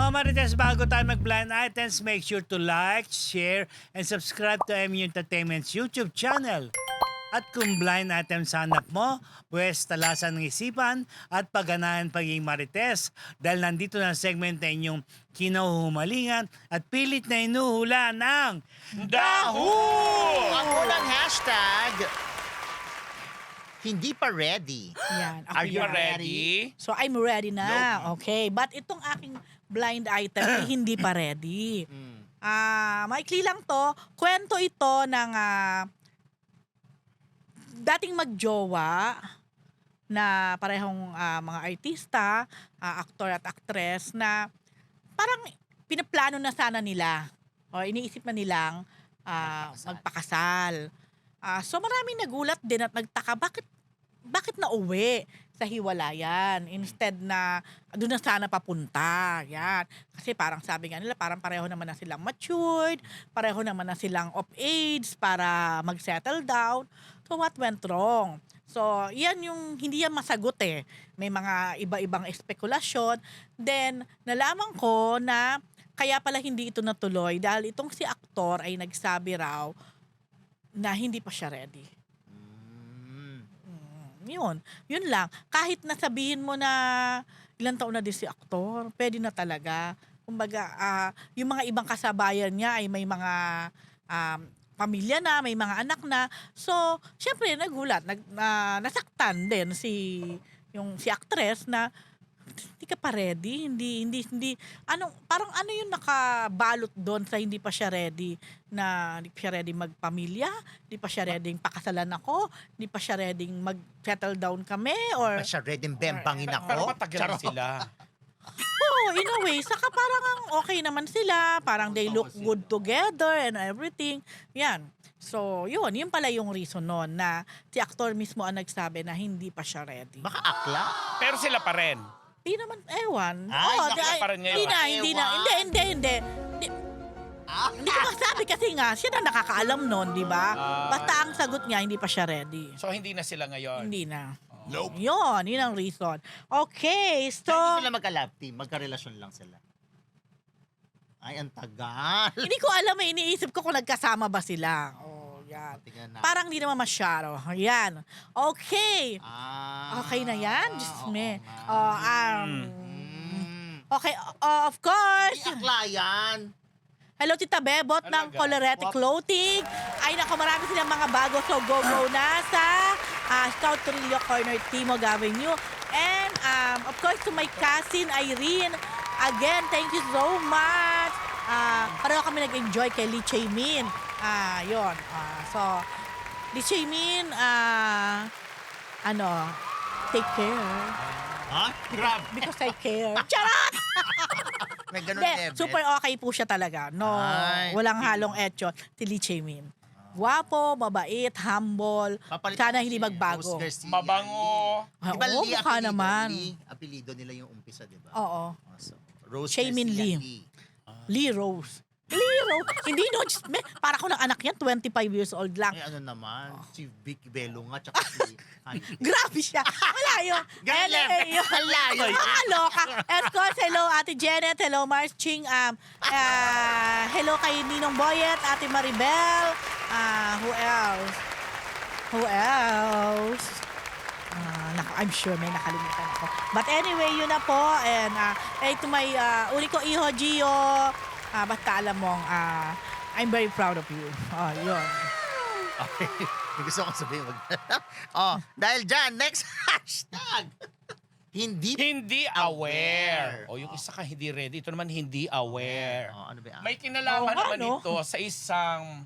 Mga Marites, bago tayo mag-blind items, make sure to like, share, and subscribe to MU Entertainment's YouTube channel. At kung blind item sa hanap mo, pwes talasan ng isipan at pagganahan pagiging Marites dahil nandito na ang segment na inyong kinahuhumalingan at pilit na inuhula ng Dahu! Ang unang hashtag, hindi pa ready. Yan. Are you yan. ready? So, I'm ready na. Okay. But itong aking blind item ay hindi pa ready. Maikli lang to. Kwento ito ng dating magjowa na parehong mga artista, aktor at actress na parang pinaplano na sana nila o iniisip na nilang magpakasal. So maraming nagulat din at nagtaka bakit nauwi sa hiwalayan instead na doon na sana papunta. Yan. Kasi parang sabi nga nila parang pareho naman na silang matured, pareho naman na silang of age para mag-settle down. So what went wrong? So yan yung hindi yan masagot eh. May mga iba-ibang espekulasyon. Then nalaman ko na kaya pala hindi ito natuloy dahil itong si aktor ay nagsabi raw na hindi pa siya ready. Yun lang. Kahit nasabihin mo na ilang taon na din si aktor, pwede na talaga. Kumbaga, yung mga ibang kasabayan niya ay may mga pamilya na, may mga anak na. So, syempre nagulat, nasaktan din si actress na hindi ka pa ready, hindi parang ano yung nakabalot doon sa hindi pa siya ready, na hindi pa siya ready magpamilya, hindi pa siya ready pakasalan ako, hindi pa siya ready mag-settle down kami, or Pa siya ready bembangin ako. Pero matagal na sila. in a way, saka parang ang okay naman sila, parang they look good together and everything. Yan. So, yun pala yung reason noon na si actor mismo ang nagsabi na hindi pa siya ready. Baka akla. Pero sila pa rin. Hindi naman, ewan. Ay, nakita pa rin ngayon. Hindi na. Hindi. Hindi ko masabi kasi nga, siya na nakakaalam nun, di ba? Basta ang sagot niya, hindi pa siya ready. So hindi na sila ngayon. Hindi na. Nope. Yun ang reason. Okay, so... Hindi sila magka-love team, magka-relasyon lang sila. Ay, ang tagal. Hindi ko alam eh, iniisip ko kung nagkasama ba sila. Oh, yan. Tingnan na. Parang hindi naman masyado. Yan. Okay. Okay na yan? Diyos me. Okay, of course. Ay, akla yan. Hello, Tita Bebot ng Talaga? Colorete Clothing. Ay, naku, marami silang mga bago. So, go na sa Scout Torillo Corner, Timog Avenue. And, of course, to my cousin, Irene. Again, thank you so much. Pareho kami nag-enjoy kay Lee Chae-min. Yun. So, Lee Chae-min, take care. Ha? Grab. Because I care. Charot! May ganun Hindi, level. super okay po siya talaga. No, Ay. walang halong etyo. Si Lee Chae-min. Guwapo, mabait, humble. Papalit Sana ko hindi si magbago. Rose Garcia. Mabango. Ah, Di ba oo, Lee mukha apelido? naman. Lee, apelido nila yung umpisa, di ba? Oo. So, Rose Chae-min Garcia Lee. Lee Rose. Lee Rose. Hindi no, just, para ko ng anak yan, 25 years old lang. Ay, ano naman, si Vic Bello nga, tsaka si... Grabe siya. Wala yun. Ganun lang. Ang layo. Nakakaloka. Of course, hello Ate Janet, hello Mars Ching, hello kay Ninong Boyet, Ate Maribel, who else? Naku, I'm sure may nakalimutan ako. But anyway, yun na po. And to my uli ko, Iho Gio, basta alam mong, I'm very proud of you. Yun. Okay. May gusto kong sabihin. Dahil dyan, next hashtag. Hindi aware. O yung isa ka hindi ready. Ito naman hindi aware. Ano ba? May kinalaman Oo nga, naman no? ito sa isang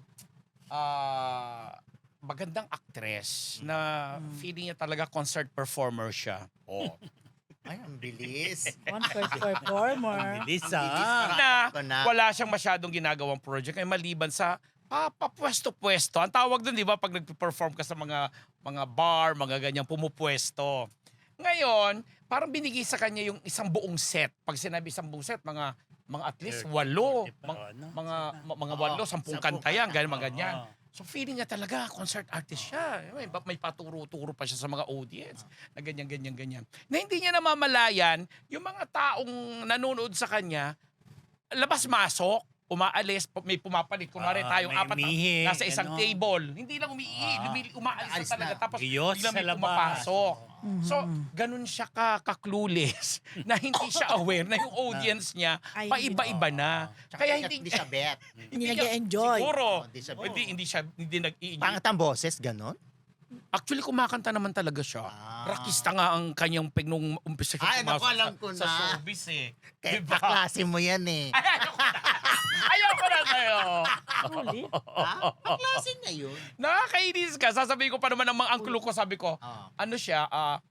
magandang actress na feeling niya talaga concert performer siya. Oh. Ay, ang bilis. Concert performer. bilis Na na. wala siyang masyadong ginagawang project ay maliban sa papwesto-pwesto. Ang tawag doon, di ba, pag nag-perform ka sa mga bar, mga ganyang pumupwesto. Ngayon, parang binigay sa kanya yung isang buong set. Pag sinabi isang buong set, mga at least 8, mga 8, 10 kanta yan, ganyan, mga ganyan. So feeling niya talaga, concert artist siya. May paturo-turo pa siya sa mga audience na ganyan. Na hindi niya namamalayan, yung mga taong nanonood sa kanya, labas-masok, umaalis, may pumapalit. Kunwari tayong may apat umihi, nasa isang ganon. table. Hindi lang umaalis Aalis na talaga. na. Tapos Iyos biglang sa may labas. pumapasok. So, ganun siya ka-clueless na hindi siya aware na yung audience niya Ay, paiba-iba na. Tsaka Kaya hindi siya bet. Hindi niya- nag-e-enjoy. Siguro. Hindi siya bet. Hindi nag-i-enjoy. Pangat ang boses, ganon? Actually, kumakanta naman talaga siya. Rockista nga ang kanyang nung umpisa siya Ay, naku, pumasok alam ko sa na. showbiz eh. Kaya Diba? kaklase mo yan eh. Ayoko na sa'yo. Ulit. Ha? Kaklase niya yun. Nakakainis ka. Sasabihin ko pa naman ng mga angkulo ko, sabi ko, Ah. ano siya,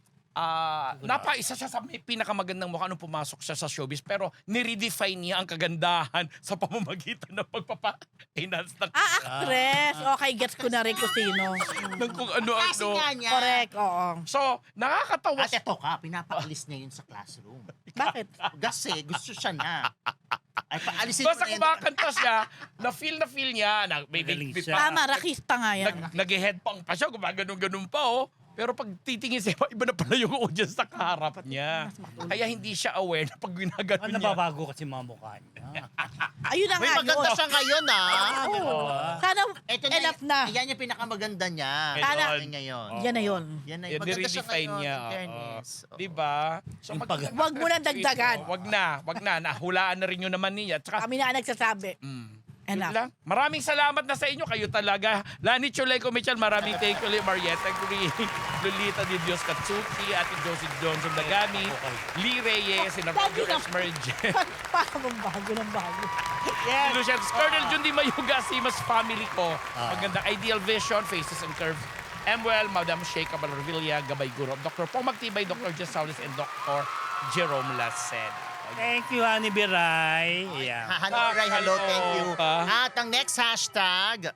napaisa siya sa may pinakamagandang mukha nung pumasok siya sa showbiz, pero niredefine niya ang kagandahan sa pamamagitan ng pagpapa-enhance ng Actress. Okay, gets ko na rin kung sino. ng kung Kasi ano-ano. nga niya. Correct, oo. So, nakakatawa At eto ka, pinapaalis niya yun sa classroom. Bakit? Kasi gusto siya na. Ay, paalisin Basta mo na yun. kumakanta siya, na-feel niya, Magaling may siya. Tama, rakista nga yan. nag-headpang pa siya, gumaganon-ganon pa oh. Pero pag titingin siya, iba na pala yung audience sa kaharap niya. Kaya hindi siya aware na pag ginaganon niya. Nababago kasi mga mukha niya. Ayun na May nga maganda yun. siya ngayon ah. Oo. Sana Ito enough na. Yan yung pinakamaganda niya. Sana- Yan ngayon. Yan na yun. Yan na Yan, maganda siya niredefine ngayon, niya. in fairness. Oo. Diba? So, Yung pag- Wag mo na dagdagan. Wag na. Nahulaan na rin yun naman niya. Tsaka, Kami na ang nagsasabi. yun Enough. lang. Maraming salamat na sa inyo. Kayo talaga. Lani Chuleco Michel, maraming thank you. Marietta Green, Lolita Di Dios Katsuki, Ate Josie Johnson Dagami, Lee Reyes, Sinabago Esmerge, Parang bago ng bago. Lucian, Colonel Jundi Mayuga, Simas family ko. Magandang Ideal Vision, Faces and Curves. Emwell, Madam Sheikha Balarvilla, Gabay Guro, Dr. Pong Magtibay, Dr. Jess Saulis, and Dr. Jerome Laced. Thank you, Honey Biray. Yeah. Hello, Ray. Hello, thank you. Ah. At ang next hashtag,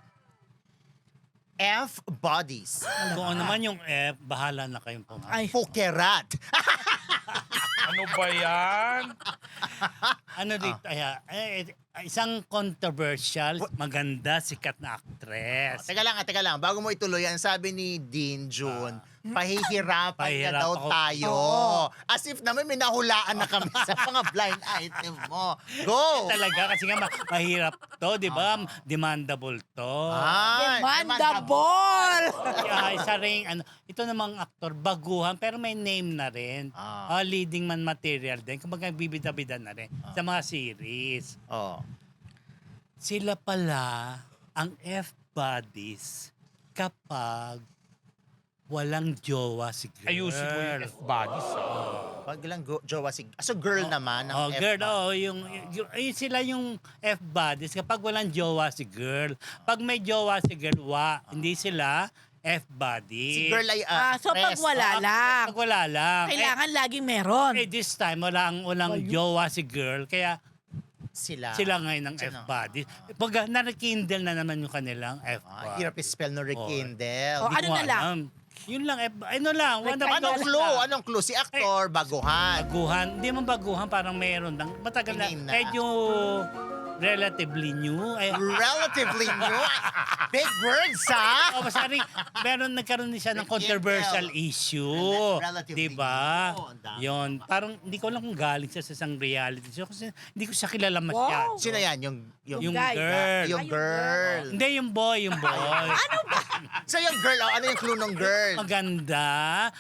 F-Bodies. Kung ano naman yung F, bahala na kayong pumasok. Ay, Pukerat. Ano ba yan? Ano dito? Isang controversial, maganda, sikat na actress. Teka lang. Bago mo ituloy, ang sabi ni Dean June, pahihirapan niya Pahihirap daw ako. tayo. As if naman may nahulaan na kami sa mga blind item mo. Go! Talaga, kasi nga mahirap to, di ba? Demandable to. Ay, demandable! Kaya isa rin, ito namang aktor, baguhan, pero may name na rin. Leading man material din. Kumbaga, bibida-bida na rin sa mga series. Oh. Sila pala ang F-bodies kapag walang jowa si girl. Ayusin mo yung F-bodies. Pag lang jowa si... So girl naman ang Girl, F-bodies. yung sila yung F-bodies kapag walang jowa si girl. Pag may jowa si girl, hindi sila F-bodies. Si girl ay So pag wala lang, Pag wala lang. kailangan laging meron. This time, walang jowa si girl, kaya sila. sila ngayon ng Sino? F-bodies. Pag narekindle na naman yung kanilang F-bodies. Hirap i-spell no rekindle. Oh, ano na lang? Yun lang, ano lang. Anong clue? Si aktor, baguhan. Baguhan. Hindi man baguhan, parang meron lang. Matagal na. Tingin na. Medyo relatively new. Relatively new. Big words, ha? Basta rin, nagkaroon din siya ng controversial issue. Relatively Diba? new. Ang dami. Yun. Parang hindi ko alam kung galing siya sa isang reality show kasi hindi ko siya kilala masyado. Wow. Sino yan? Yung guy. girl. Yung girl. Hindi, yung boy. So yung girl, ano yung clue ng girl? Maganda.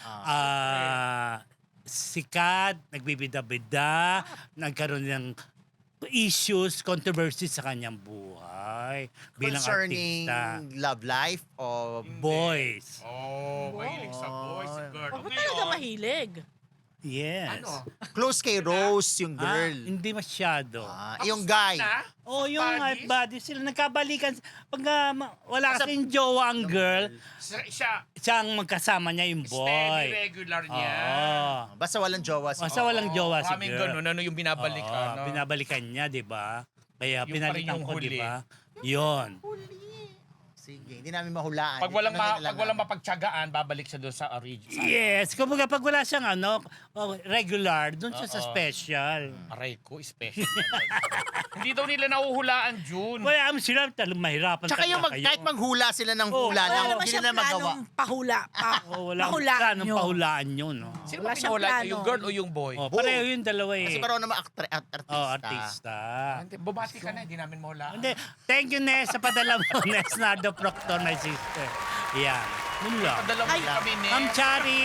Sikat, nagbibida-bida, nagkaroon ng issues, controversies sa kanyang buhay bilang Concerning artista. love life o Boys. Mahilig sa boys, si girl. Huwag mo talaga mahilig. Yes. close kay Rose yung girl? Hindi masyado. Yung guy. Yung Buddies? body sila nagkabalikan. Pag wala kasing jowa ang girl, Siya, ang magkasama niya yung boy. steady regular niya. Oo. Basta walang jowa si Basta walang jowa si Kaming girl. ganun, ano yung binabalikan. no? Binabalikan niya, di ba? Kaya Yung pinalitan pa rin yung ko, di huli. ba? Yun. Sige, hindi namin mahulaan. Pag walang, Ano na lang pag walang mapagtsagaan, babalik siya doon sa original. Yes. Kumbaga, pag wala siyang regular, doon siya sa special. Aray ko, special. Hindi daw nila nahuhulaan June. Kaya sila mahirapan Tsaka yung talaga kayo. kahit manghula sila ng hula Wala lang, naman hindi siyang nila magawa. planong pahula. Oh, wala Mahulaan planong nyo. pahulaan yun. No? Sino Wala ba siyang pinahula? plano. Yung girl o yung boy? Oh, pareho yung dalawa eh. Kasi parang naman artista. Oh, artista. Hindi, bumati ka na, hindi namin mahulaan. Hindi. Thank you, Nes, sa padala mo. Nes Nardo Proctor, my sister. Yan. Yun lang. Padala mo kami, Nes. Ma'am Chari!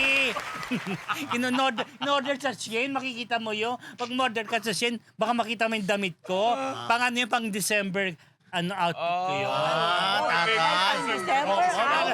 In-order sa Shein, makikita mo yun. Pag order ka sa Shein, baka makita mo yung damit ko. Pang ano yun, pang December outfit ko yun. Tagal. December,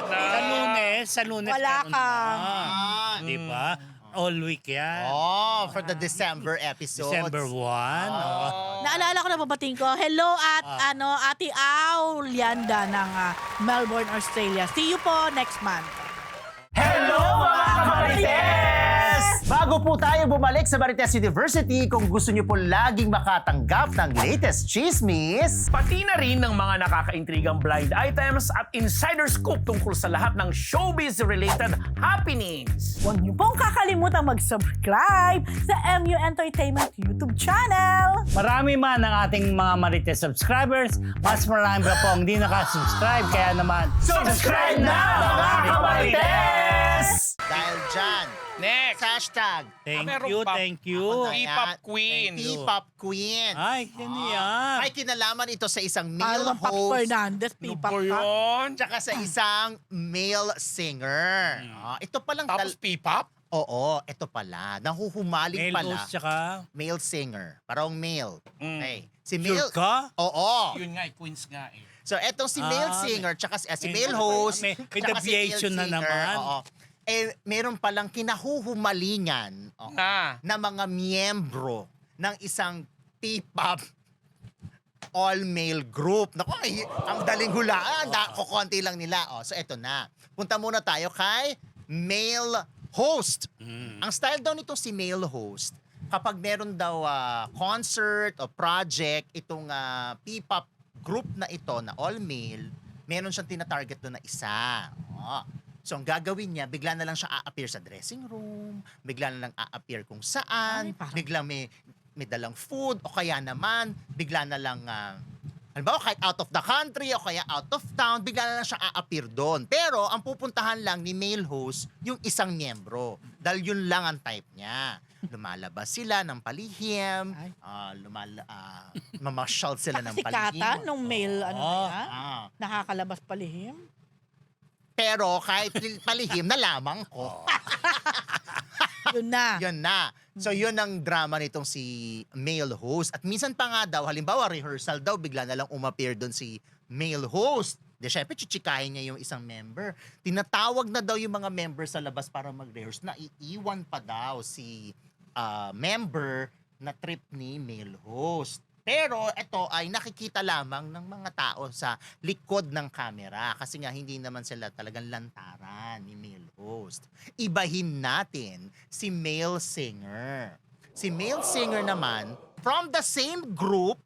Sa lunes. Wala meron ka. na. Di ba? All week yan. Oh, for the December episodes. December 1. Naalala ko na babating ko. Hello at Ate Au Lianda ng Melbourne, Australia. See you po next month. Hello mga Marites! Bago po tayo bumalik sa Marites University, kung gusto niyo po laging makatanggap ng latest chismis, Pati na rin ng mga nakakaintrigang blind items at insider scoop tungkol sa lahat ng showbiz-related happenings. Huwag niyo pong kakalimutan mag-subscribe sa MU Entertainment YouTube channel. Marami man ang ating mga Marites subscribers, mas marami pa po ang hindi nakasubscribe. Kaya naman, subscribe na mga Marites! Dahil dyan, Next. hashtag thank meron you, pa. thank you. P-pop queen. P-pop queen. Ay, yan yan. May kinalaman ito sa isang Para male bang Pop host Fernandez, Ano P-pop ba ka. yun? tsaka sa isang male singer. Ito palang Tapos P-pop? Oo, ito pala. Nahuhumaling Male pala. host tsaka, Male singer. Parang male. Mm. Okay. Si sure male... ka? Oo. Yun nga, queens nga eh. So, etong si male Ah, singer, tsaka si may- male host, may tsaka si male deviation na singer, naman. Oo. Eh, meron palang kinahuhumalingan na mga miyembro ng isang P-pop all-male group. Naku, ang daling hulaan. Kukunti lang nila. So, eto na. Punta muna tayo kay male host. Ang style daw nitong si male host, kapag meron daw concert o project, itong P-pop group na ito na all-male, meron siyang tinatarget doon na isa. So, ang gagawin niya, bigla na lang siya a-appear sa dressing room, bigla na lang a-appear kung saan, Ay, parang- biglang may dalang food, o kaya naman, bigla na lang, halimbawa, kahit out of the country, o kaya out of town, bigla na lang siya a-appear doon. Pero, ang pupuntahan lang ni male host, yung isang miyembro. Dahil yun lang ang type niya. Lumalabas sila ng palihim, Ay. mamasyal sila ng palihim. Kasikatan nung male, niya, Ah. nakakalabas palihim. Pero kahit palihim na lamang ko. Yun na. Yun na. So yun ang drama nitong si male host. At minsan pa nga daw, halimbawa rehearsal daw, bigla na lang umappear doon si male host. Di syempre, chichikahin niya yung isang member. Tinatawag na daw yung mga member sa labas para mag-rehearse na iiwan pa daw si member na trip ni male host. Pero ito ay nakikita lamang ng mga tao sa likod ng camera kasi nga hindi naman sila talagang lantaran ni male host. Ibahin natin si male singer. Si male singer naman from the same group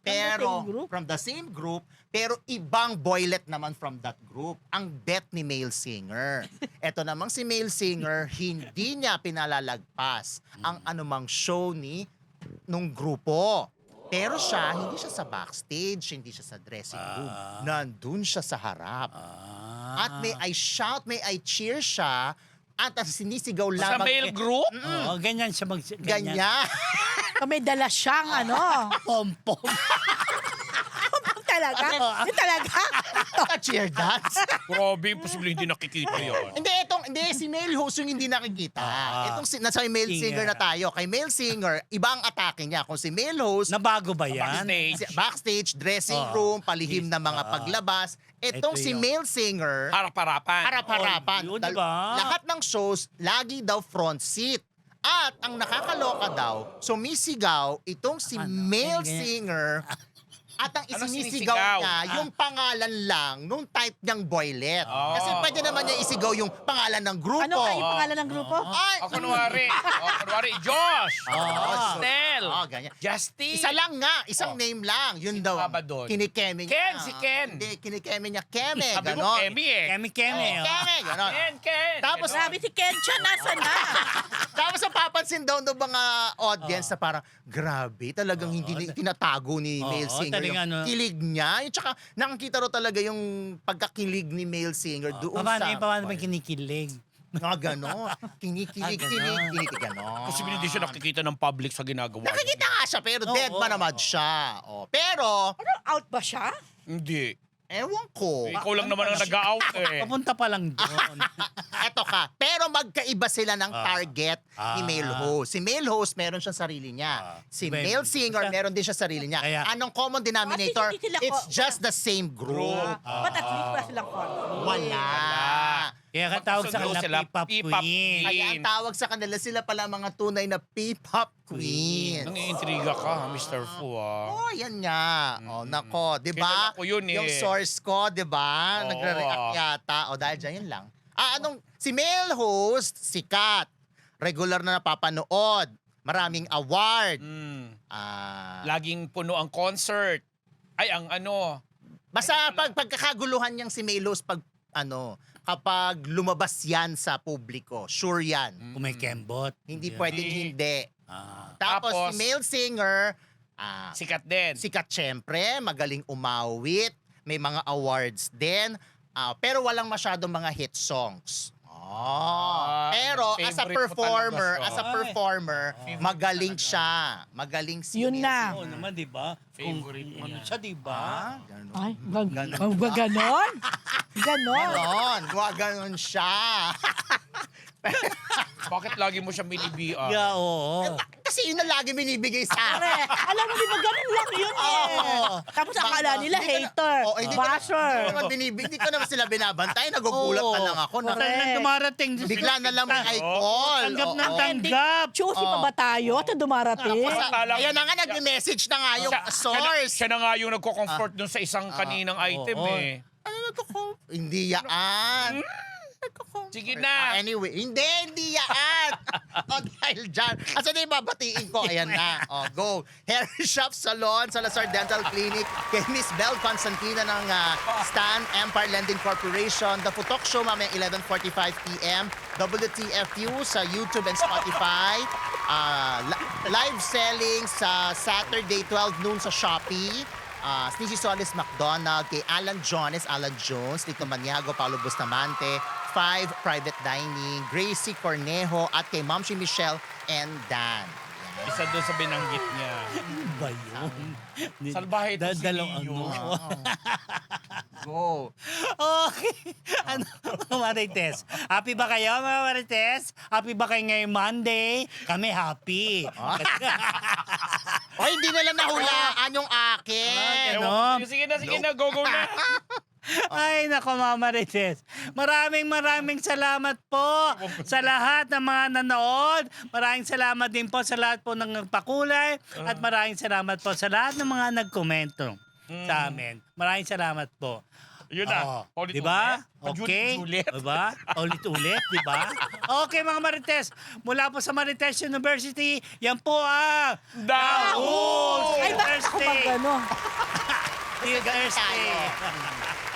pero ibang boylet naman from that group. Ang bet ni male singer. Ito namang si male singer, hindi niya pinalalagpas ang anumang show nung grupo. Pero siya, hindi siya sa backstage, hindi siya sa dressing room. Nandun siya sa harap. At may I shout, may I cheer siya, at sinisigaw Sa lamang. male group? Oo, ganyan siya Ganyan. May dala siyang Pom-pom. talaga? Yun talaga? Cheer dance. Grabe, posible hindi nakikita yun. Hindi, si male host yung hindi nakikita. Itong nasa male singer Singer. na tayo. Kay male singer, iba ang atake niya. Kung si male host, Nabago ba yan? Backstage. backstage, dressing room, palihim na mga paglabas. Itong Ito si yun. male singer, Harap-harapan. harap-harapan. Oh, yun, diba? Lahat ng shows, lagi daw front seat. At ang nakakaloka daw, sumisigaw itong si male Ganyan. singer at ang Ano isinisigaw sinisigaw? niya, yung pangalan lang nung type niyang boylet. Kasi pwede naman niya isigaw yung pangalan ng grupo. Ano ka yung pangalan ng grupo? Ay, O kunwari, Josh. Stel. ganyan. Justin. Isa lang nga, isang name lang. Yun daw. pa ba doon? Kinikeme niya. Ken, si Ken. Hindi, kinikeme niya. Keme, Sabi mo, ganon. Emmy eh. Keme-keme. oh. Keme, ganon. Ken. Tapos, Ganon. Grabe si Kencha, nasa na? Tapos ang napansin daw ng mga audience na parang, grabe, talagang hindi tinatago ni male singer yung talagang ano. kilig niya. Yung tsaka nakikita raw talaga yung pagkakilig ni male singer doon Paano sa... ba kinikilig? Nga gano'n. Kinikilig, gano'n. Kasi hindi siya nakikita ng public sa ginagawa. Nakikita nga siya, pero Oo, dead pa naman oo. siya. Oh, pero, Out ba siya? Hindi. ewan ko. Ikaw lang naman ang nag-out eh. Papunta pa lang doon. Eto ka. Pero magkaiba sila ng target ni male host. Si male host, meron siyang sarili niya. Si Well, male singer, siya- meron din siya sarili niya. Kaya- Anong common denominator? Hindi sila It's just the same group. But at least wala silang conflict. Wala. Kaya katawag sa Magkasundo kanila sila, P-pop P-pop queen. Kaya ang tawag sa kanila, sila pala mga tunay na P-pop queen. Nangiintriga ka, Mr. Fu ah. Oh, yan nga. Oh, nako, 'di ba? Kilala ko yun eh. Yung source ko, 'di ba? Oo. Nagre-react yata. O dahil dyan, yun lang. Anong si male host, sikat. Regular na napapanood. Maraming award. Mm. Lagi Laging puno ang concert. Ay, ang ano. basta pagkakaguluhan niyang si male host kapag lumabas yan sa publiko, sure yan. Kung may kembot. Hindi Yeah. pwedeng hindi. Ah. Tapos Tapos, si male singer, Sikat din. sikat syempre, magaling umawit, may mga awards din, pero walang masyadong mga hit songs. Pero as a favorite mo talaga performer, siya. magaling siya. Magaling si Yun Male na. Singer. Oo naman, di ba? Favorite Kung mo ano yan. siya, di ba? Ganon. Ay, ganon? Ganon? Ganon siya. Bakit lagi mo siya minibian? Yeah, oo. Kasi yun na lagi binibigay sa akin. Pare, alam mo, di ba ganon lang yun eh. Oo. Tapos akala nila Hindi ko na- hater, Oo, hindi ko na- basher. Hindi ko naman sila binabantay. Nagugulat na lang ako. Basta lang dumarating. Bigla na lang may call. Tanggap ng Oo. tanggap. Choosy pa ba tayo at dumarating? Tapos, Akala- ayan na nga, nag-message na nga yung source. Siya na nga yung nagko-comfort dun sa isang kaninang item oo. eh. Ano hindi yaan. Sige na. Anyway, hindi yaan. Dahil dyan. Asa na yung babatiin ko? Ayan na. Go. Hair Shop Salon, Salazar Dental Clinic, kay Miss Belle Constantina ng Stan Empire Lending Corporation. The Futok Show, mamaya 11:45 p.m. WTFU sa YouTube and Spotify. Live selling sa Saturday, 12 noon sa Shopee. Sneezy Solis McDonald, kay Alan Jones, Lito Maniago, Paulo Bustamante, 5 Private Dining, Gracie Cornejo, at kay Mamshi Michelle and Dan. Yan. Isa doon sa binanggit niya. Ano ba yun? Salbahe ito si Dalawang Leo. Go. Okay. Ano, Marites? Happy ba kayo, mga Marites? Happy ba kayo ngayong Monday? Kami happy. Hindi nila nahulaan yung akin. Ano? Sige na, go na. Ay, nako, mga Marites. Maraming salamat po sa lahat ng mga nanood. Maraming salamat din po sa lahat po ng nagpakulay. At maraming salamat po sa lahat ng mga nagkomento sa amin. Maraming salamat po. Yun na. Di ba? Okay. Ulit. Diba? Ulit-ulit, di ba? Okay, mga Marites. Mula po sa Marites University, yan po ang Daos! Ay, bakit ako Thursday. mag ano? Thursday.